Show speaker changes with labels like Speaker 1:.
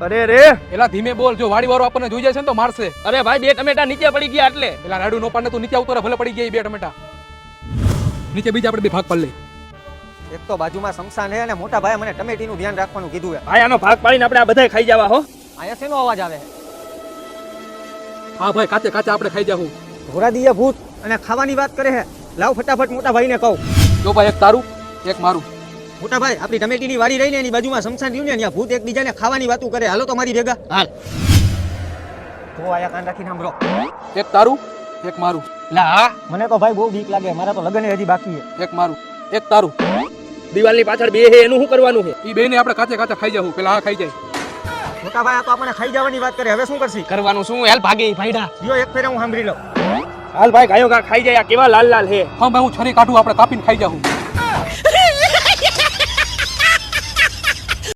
Speaker 1: અરે રે
Speaker 2: એલા ધીમે બોલ, જો વાડી વાળો આપણને જોઈ જાય છે ને તો મારશે.
Speaker 1: અરે ભાઈ 2 ટમેટા નીચે પડી ગયા એટલે.
Speaker 2: એલા રાડુ નો પાડને તું નીચે આવતો રહે, ભલે પડી ગયા 2 ટમેટા. નીચે બીજા આપણે 2 ભાગ પાડી લઈ.
Speaker 3: એક તો બાજુમાં શમશાન છે અને મોટા ભાઈ મને ટમેટીનું ધ્યાન રાખવાનું કીધું છે.
Speaker 1: ભાઈ આનો ભાગ પાડીને આપણે આ બધાય ખાઈ જવા હો.
Speaker 3: અહીંયા શેનો અવાજ આવે?
Speaker 2: હા ભાઈ, કાચે કાચે આપણે ખાઈ જાવું.
Speaker 3: ધોરાદીએ ભૂત અને ખાવાની વાત કરે છે. લાવ ફટાફટ મોટા ભાઈને કહું.
Speaker 2: જો ભાઈ, એક તારું એક મારું.
Speaker 3: મોટા ભાઈ, આપણી ટમેટીની વાડી રહીને એની બાજુમાં શમશાન રહ્યું ને, ત્યાં ભૂત એકબીજાને ખાવાની વાતું કરે. હાલો તો મારી ભેગા.
Speaker 1: હાલ.
Speaker 3: તો આયા કાન રાખીને સાંભળો.
Speaker 2: એક તારું એક મારું.
Speaker 1: લા હા
Speaker 3: મને તો ભાઈ બહુ બીક લાગે. મારા તો લગ્ન હજી બાકી છે.
Speaker 2: એક મારું એક તારું.
Speaker 1: દિવાલની પાછળ બે હે એનું શું કરવાનું છે?
Speaker 2: ઈ બેને આપણે કાચે કાચે ખાઈ જાવું. પેલા આ ખાઈ જાય.
Speaker 3: મોટા ભાઈ આ તો આપણને ખાઈ જવાની વાત કરે. હવે શું કરશી?
Speaker 1: કરવાનું શું? હેલ ભાગે ભાઈડા.
Speaker 3: દિયો એક ફેરે હું સાંભળી લઉં.
Speaker 1: હાલ ભાઈ ગાયો ગા ખાઈ જાય. આ કેવા લાલ લાલ હે.
Speaker 2: હા ભાઈ, હું છરી કાઢું, આપણે કાપીને ખાઈ જાવું.